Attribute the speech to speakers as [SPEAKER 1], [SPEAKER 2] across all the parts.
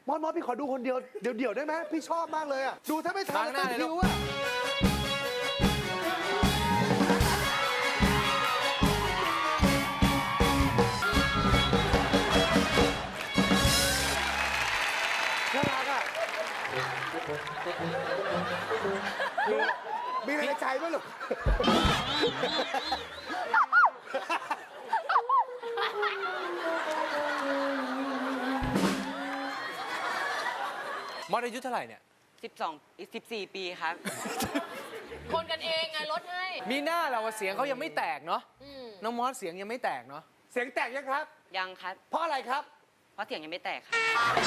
[SPEAKER 1] มอสพี่ขอดูคนเดียวเดี๋ยวได้ไหมพี่ชอบมากเลยอ่ะดูถ้าไม่ทันต้องคิวอ่ะน่ารักอ่ะมีอะไรในใจไหมลูก
[SPEAKER 2] มอสอายุเท่าไหร่เนี่ย
[SPEAKER 3] 14 ปีครับ
[SPEAKER 4] คนกันเองไงลดให้
[SPEAKER 2] มีหน้าเราเสียงเขายังไม่แตกเนาะน้องมอสเสียงยังไม่แตกเนาะ
[SPEAKER 1] เสียงแตกยังครับ
[SPEAKER 3] ยังครับ
[SPEAKER 1] เพราะอะไรครับ
[SPEAKER 3] เพราะเสียงยังไม่แตกครับ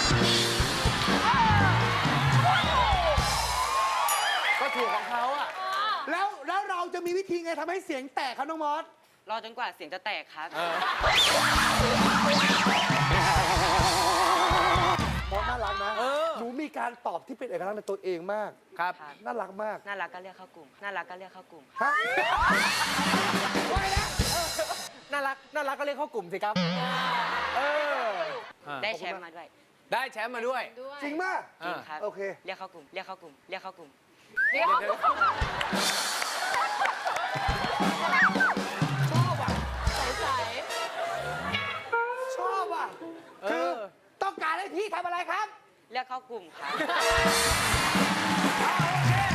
[SPEAKER 2] ก็ถูกของเขาอะ
[SPEAKER 1] แล้วเราจะมีวิธีไงทำให้เสียงแตกครับน้องมอส
[SPEAKER 3] รอจนกว่าเสียงจะแตกครับ
[SPEAKER 1] มอสน่ารักนะหนูมีการตอบที่เป็นเอกลักษณ์ในตัวเองมาก
[SPEAKER 2] ครับ
[SPEAKER 1] น่ารักมาก
[SPEAKER 3] น่ารักก็เรียกเข้ากลุ่ม น่ารักก็เรียกเข้ากลุ่ม
[SPEAKER 1] ฮะไม่นะ
[SPEAKER 2] น่ารักก็เรียกเข้ากลุ่มสิครับ
[SPEAKER 3] ได้แชมป์มาด้วย
[SPEAKER 2] ได้แชมป์มาด้วย
[SPEAKER 1] จริงมาก
[SPEAKER 3] จริงครับ
[SPEAKER 1] โอเค
[SPEAKER 3] เรียกเข้ากลุ่ม เรียกเข้ากลุ่ม เรียกเข้ากลุ่ม
[SPEAKER 4] เดี๋ยว
[SPEAKER 1] ชอบอ่ะ
[SPEAKER 4] ใส
[SPEAKER 1] ชอบอ่ะคือต้องการให้พี่ทำอะไรครับ
[SPEAKER 3] เรียกเข้ากลุ่มครับ
[SPEAKER 1] โอเค